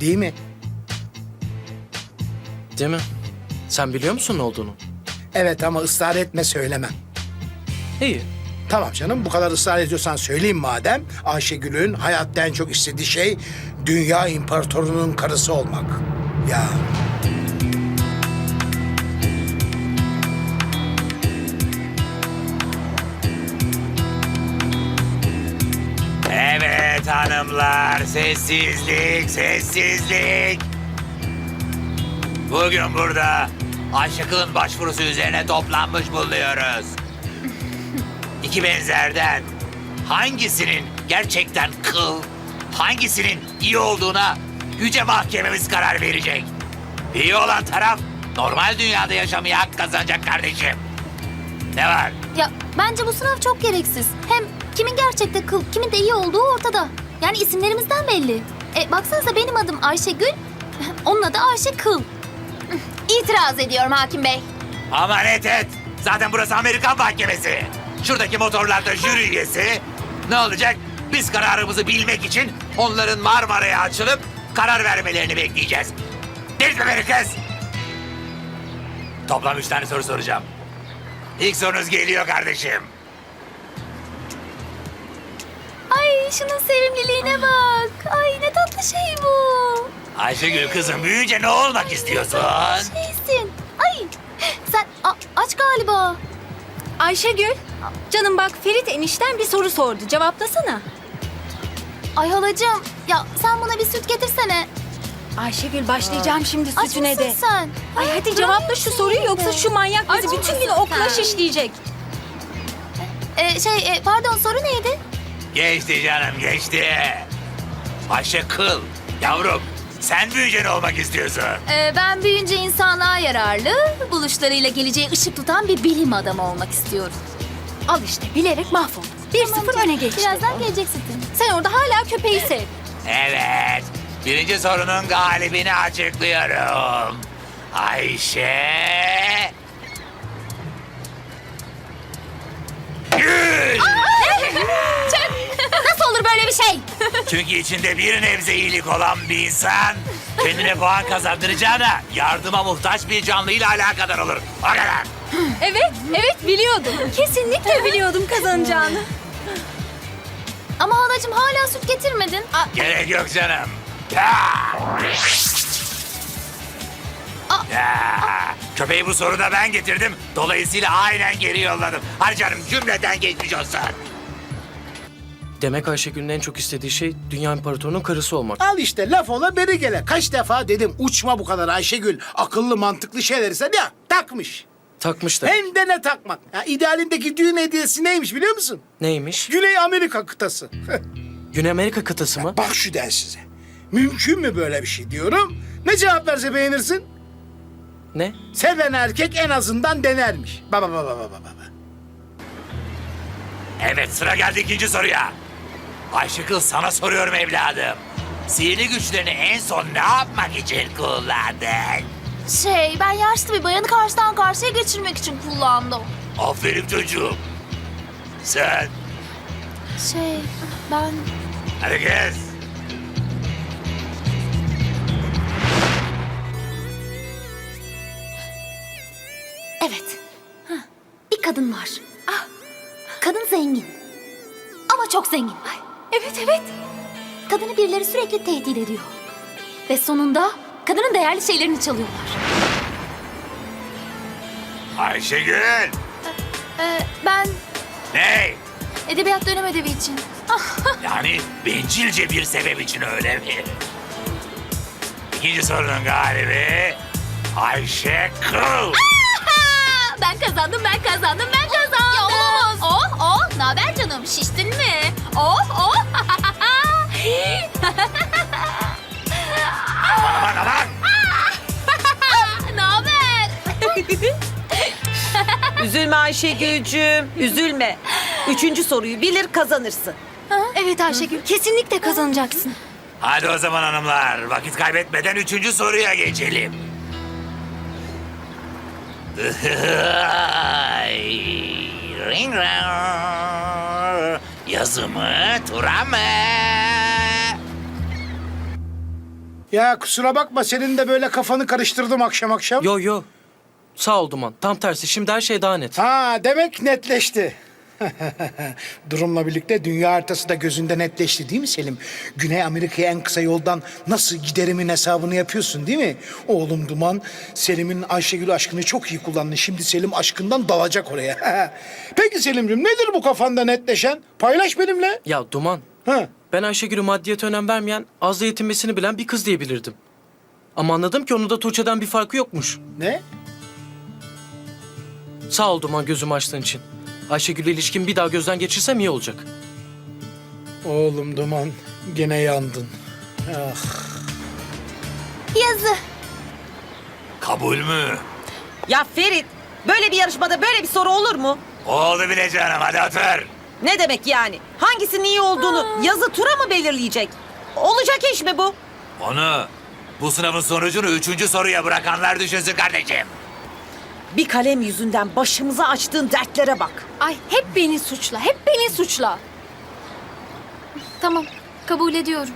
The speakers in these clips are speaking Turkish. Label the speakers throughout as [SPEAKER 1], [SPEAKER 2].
[SPEAKER 1] Değil mi?
[SPEAKER 2] Değil mi? Sen biliyor musun ne olduğunu?
[SPEAKER 1] Evet ama ısrar etme söylemem.
[SPEAKER 2] İyi.
[SPEAKER 1] Tamam canım bu kadar ısrar ediyorsan söyleyeyim madem. Ayşegül'ün hayatta en çok istediği şey dünya imparatorunun karısı olmak. Ya
[SPEAKER 3] Evet hanımlar, sessizlik, sessizlik. Bugün burada Aşık'ın başvurusu üzerine toplanmış bulunuyoruz. İki benzerden hangisinin gerçekten kıl, hangisinin iyi olduğuna yüce mahkememiz karar verecek. İyi olan taraf normal dünyada yaşamaya hak kazanacak kardeşim. Ne var?
[SPEAKER 4] Ya bence bu sınav çok gereksiz. Hem kimin gerçekte kıl, kimin de iyi olduğu ortada. Yani isimlerimizden belli. Baksanıza benim adım Ayşegül, onun adı Ayşe Kıl. İtiraz ediyorum hakim bey.
[SPEAKER 3] Aman et. Zaten burası Amerikan mahkemesi. Şuradaki motorlarda jüri üyesi. Ne olacak? Biz kararımızı bilmek için onların Marmara'ya açılıp karar vermelerini bekleyeceğiz. Delirtme beni kız. Toplam 3 tane soru soracağım. İlk sorunuz geliyor kardeşim.
[SPEAKER 4] Ay şunun sevimliliğine bak. Ay ne tatlı şey bu.
[SPEAKER 3] Ayşegül kızım büyüyünce ne olmak istiyorsun?
[SPEAKER 4] Şeysin. Ay sen aç galiba.
[SPEAKER 5] Ayşegül, canım bak Ferit enişten bir soru sordu. Cevaplasana.
[SPEAKER 4] Ay halacığım ya sen bana bir süt getirsene.
[SPEAKER 5] Ayşegül başlayacağım şimdi
[SPEAKER 4] Aç
[SPEAKER 5] sütüne
[SPEAKER 4] mısın
[SPEAKER 5] de.
[SPEAKER 4] sen?
[SPEAKER 5] Ay hadi cevapla şu soruyu yoksa şu manyak bizi
[SPEAKER 4] Aç
[SPEAKER 5] bütün gün
[SPEAKER 4] mısın
[SPEAKER 5] okula
[SPEAKER 4] sen?
[SPEAKER 5] şişleyecek.
[SPEAKER 4] Pardon soru neydi?
[SPEAKER 3] Geçti canım geçti. Ayşe Kıl. Yavrum sen büyüyünce ne olmak istiyorsun?
[SPEAKER 4] Ben büyüyünce insanlığa yararlı, buluşlarıyla geleceğe ışık tutan bir bilim adamı olmak istiyorum.
[SPEAKER 5] Al işte bilerek mahvolduk. 1-0 öne geçti.
[SPEAKER 4] Birazdan geleceksin.
[SPEAKER 5] Sen orada hala köpeği sev.
[SPEAKER 3] Evet. Birinci sorunun galibini açıklıyorum. Ayşe... Gül!
[SPEAKER 4] Nasıl olur böyle bir şey?
[SPEAKER 3] Çünkü içinde bir nebze iyilik olan bir insan... ...kendine puan kazandıracağına yardıma muhtaç bir canlıyla alakadar olur. O kadar.
[SPEAKER 5] Evet biliyordum. Kesinlikle biliyordum kazanacağını.
[SPEAKER 4] Ama halacığım hala süt getirmedin.
[SPEAKER 3] Gerek yok canım. Ya! Ya! Köpeği bu soruda ben getirdim. Dolayısıyla aynen geri yolladım. Hadi canım cümleden geçmiş olsun.
[SPEAKER 2] Demek Ayşegül'ün en çok istediği şey dünya imparatorunun karısı olmak.
[SPEAKER 1] al işte laf ola beri gele. Kaç defa dedim uçma bu kadar Ayşegül. Akıllı mantıklı şeyler ise ya takmış.
[SPEAKER 2] Takmış da.
[SPEAKER 1] Hem de ne takmak. Ya, idealindeki düğün hediyesi neymiş biliyor musun?
[SPEAKER 2] Neymiş?
[SPEAKER 1] Güney Amerika kıtası.
[SPEAKER 2] Güney Amerika kıtası mı?
[SPEAKER 1] Bak şu densize. Mümkün mü böyle bir şey diyorum. Ne cevap verse beğenirsin?
[SPEAKER 2] Ne?
[SPEAKER 1] Seven erkek en azından denermiş. Baba.
[SPEAKER 3] Evet sıra geldi ikinci soruya. Ayşıkıl sana soruyorum evladım. Sihirli güçlerini en son ne yapmak için kullandın?
[SPEAKER 4] Ben yaşlı bir bayanı karşıdan karşıya geçirmek için kullandım.
[SPEAKER 3] Aferin çocuğum. Sen
[SPEAKER 4] Ben...
[SPEAKER 3] hadi kız.
[SPEAKER 4] Evet. Bir kadın var. Kadın zengin. Ama çok zengin.
[SPEAKER 5] Evet.
[SPEAKER 4] Kadını birileri sürekli tehdit ediyor. Ve sonunda kadının değerli şeylerini çalıyorlar.
[SPEAKER 3] Ayşegül.
[SPEAKER 4] Ben
[SPEAKER 3] Ne?
[SPEAKER 4] edebiyat dönem ödevi için.
[SPEAKER 3] Yani bencilce bir sebep için öyle mi? İkinci sorunun galibi Ayşe Kıl.
[SPEAKER 4] Ben kazandım. Ya olamaz. Ne haber canım? Şiştin mi?
[SPEAKER 3] Aman.
[SPEAKER 4] Ne haber?
[SPEAKER 6] Üzülme Ayşegül'cüğüm, üzülme. 3. soruyu bilir kazanırsın.
[SPEAKER 5] Evet Ayşegül kesinlikle kazanacaksın.
[SPEAKER 3] Hadi o zaman hanımlar vakit kaybetmeden 3. soruya geçelim. Ring rang. Yazı mı, tura mı?
[SPEAKER 1] Ya kusura bakma senin de böyle kafanı karıştırdım akşam akşam.
[SPEAKER 2] Yo yo. Sağ ol Duman. Tam tersi. Şimdi her şey daha net.
[SPEAKER 1] Ha demek netleşti. Durumla birlikte dünya haritası da gözünde netleşti değil mi Selim? Güney Amerika'ya en kısa yoldan nasıl giderimin hesabını yapıyorsun değil mi? Oğlum Duman, Selim'in Ayşegül aşkını çok iyi kullandın. Şimdi Selim aşkından dalacak oraya. Peki Selim'ciğim nedir bu kafanda netleşen? Paylaş benimle.
[SPEAKER 2] Ya Duman.
[SPEAKER 1] Ha.
[SPEAKER 2] Ben Ayşegül'ü maddiyete önem vermeyen, az da yetinmesini bilen bir kız diyebilirdim. Ama anladım ki onun da Tuğçe'den bir farkı yokmuş.
[SPEAKER 1] Ne?
[SPEAKER 2] Sağ ol Duman gözümü açtığın için. Ayşegül'le ilişkimi bir daha gözden geçirsem iyi olacak.
[SPEAKER 1] Oğlum Duman, gene yandın. Ah.
[SPEAKER 4] Yazı.
[SPEAKER 3] Kabul mü?
[SPEAKER 6] Ya Ferit, böyle bir yarışmada böyle bir soru olur mu?
[SPEAKER 3] Oldu bile canım, hadi otur.
[SPEAKER 6] Ne demek yani? Hangisinin iyi olduğunu yazı tura mı belirleyecek? Olacak iş mi bu?
[SPEAKER 3] Onu bu sınavın sonucunu 3. soruya bırakanlar düşünsün kardeşim.
[SPEAKER 6] Bir kalem yüzünden başımıza açtığın dertlere bak.
[SPEAKER 5] Ay hep beni suçla, hep beni suçla.
[SPEAKER 4] Tamam, kabul ediyorum.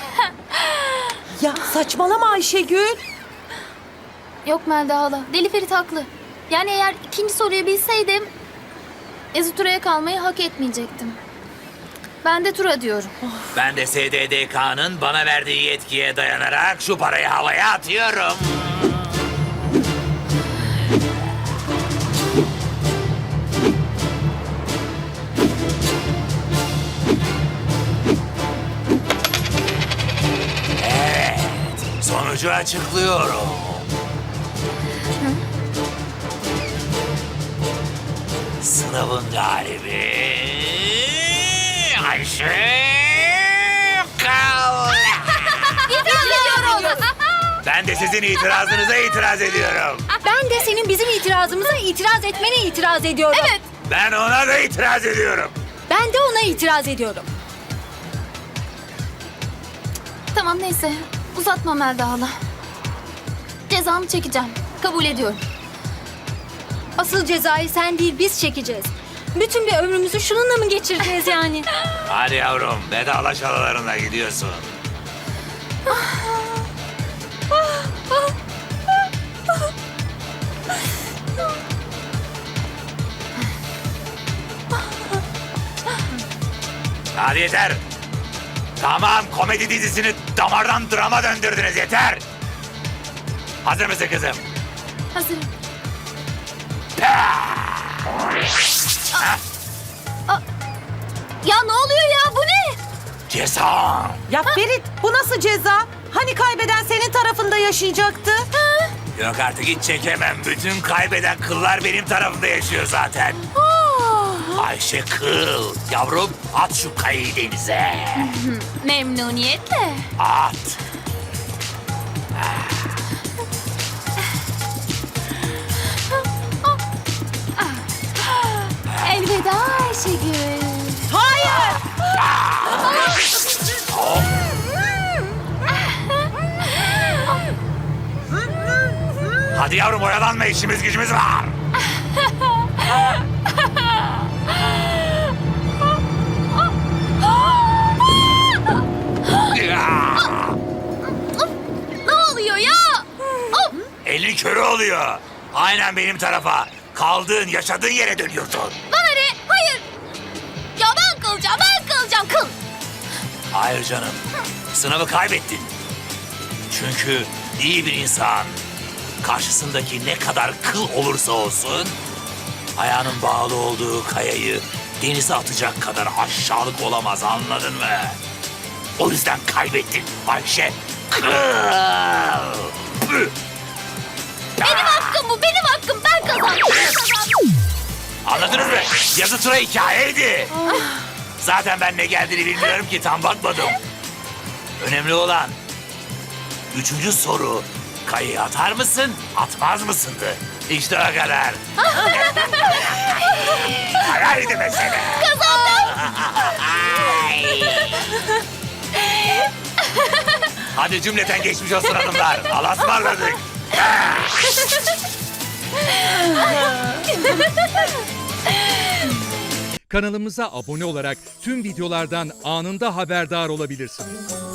[SPEAKER 6] Ya saçmalama Ayşegül.
[SPEAKER 4] Yok Melda hala, Deli Ferit haklı. Yani eğer ikinci soruyu bilseydim... Yazı Tura'ya kalmayı hak etmeyecektim. Ben de Tura diyorum.
[SPEAKER 3] Ben de SDDK'nın bana verdiği yetkiye dayanarak şu parayı havaya atıyorum. Evet, sonucu açıklıyorum. Sınavın galibi Ayşe Kal. Ben de sizin itirazınıza itiraz ediyorum.
[SPEAKER 5] Ben de senin bizim itirazımıza itiraz etmene itiraz ediyorum. Evet.
[SPEAKER 3] Ben ona da itiraz ediyorum.
[SPEAKER 5] Ben de ona itiraz ediyorum.
[SPEAKER 4] Tamam neyse, uzatma Melda hala. Cezamı çekeceğim, kabul ediyorum.
[SPEAKER 5] Asıl cezayı sen değil biz çekeceğiz. Bütün bir ömrümüzü şununla mı geçireceğiz yani?
[SPEAKER 3] Hadi yavrum, vedalaş alalarına gidiyorsun. Hadi yeter. Tamam, komedi dizisini damardan drama döndürdünüz, yeter. Hazır mısın kızım?
[SPEAKER 4] Hazırım. Ya ne oluyor ya, bu ne?
[SPEAKER 3] Ceza.
[SPEAKER 6] Ya Ferit, bu nasıl ceza? Hani kaybeden senin tarafında yaşayacaktı?
[SPEAKER 3] Yok artık hiç çekemem. Bütün kaybeden kıllar benim tarafımda yaşıyor zaten. Ayşe Kıl. Yavrum at şu kayayı denize.
[SPEAKER 4] Memnuniyetle.
[SPEAKER 3] At.
[SPEAKER 4] Elveda Ayşegül.
[SPEAKER 6] Hayır!
[SPEAKER 3] Hadi yavrum oyalanma, işimiz gücümüz var.
[SPEAKER 4] Ne oluyor ya? Of!
[SPEAKER 3] Elin körü oluyor. Aynen benim tarafa. Kaldığın, yaşadığın yere dönüyorsun.
[SPEAKER 4] Bana ne? Hayır. Ya ben kalacağım, kıl.
[SPEAKER 3] Hayır canım. Sınavı kaybettin. Çünkü iyi bir insan karşısındaki ne kadar kıl olursa olsun ayağının bağlı olduğu kayayı denize atacak kadar aşağılık olamaz, anladın mı? O yüzden kaybettin Ayşe. Kıl. Püh.
[SPEAKER 4] Benim hakkım bu, benim hakkım. Ben kazandım.
[SPEAKER 3] Anladınız mı? Yazı tura hikayeydi. Zaten ben ne geldiğini bilmiyorum ki, tam bakmadım. Önemli olan 3. soru. Kayayı atar mısın, atmaz mısındı? İşte o kadar. Kararıydı mesele.
[SPEAKER 4] Kazandım.
[SPEAKER 3] Hadi cümleten geçmiş olsun hanımlar. Allah'a ısmarladık.
[SPEAKER 7] Kanalımıza abone olarak tüm videolardan anında haberdar olabilirsiniz.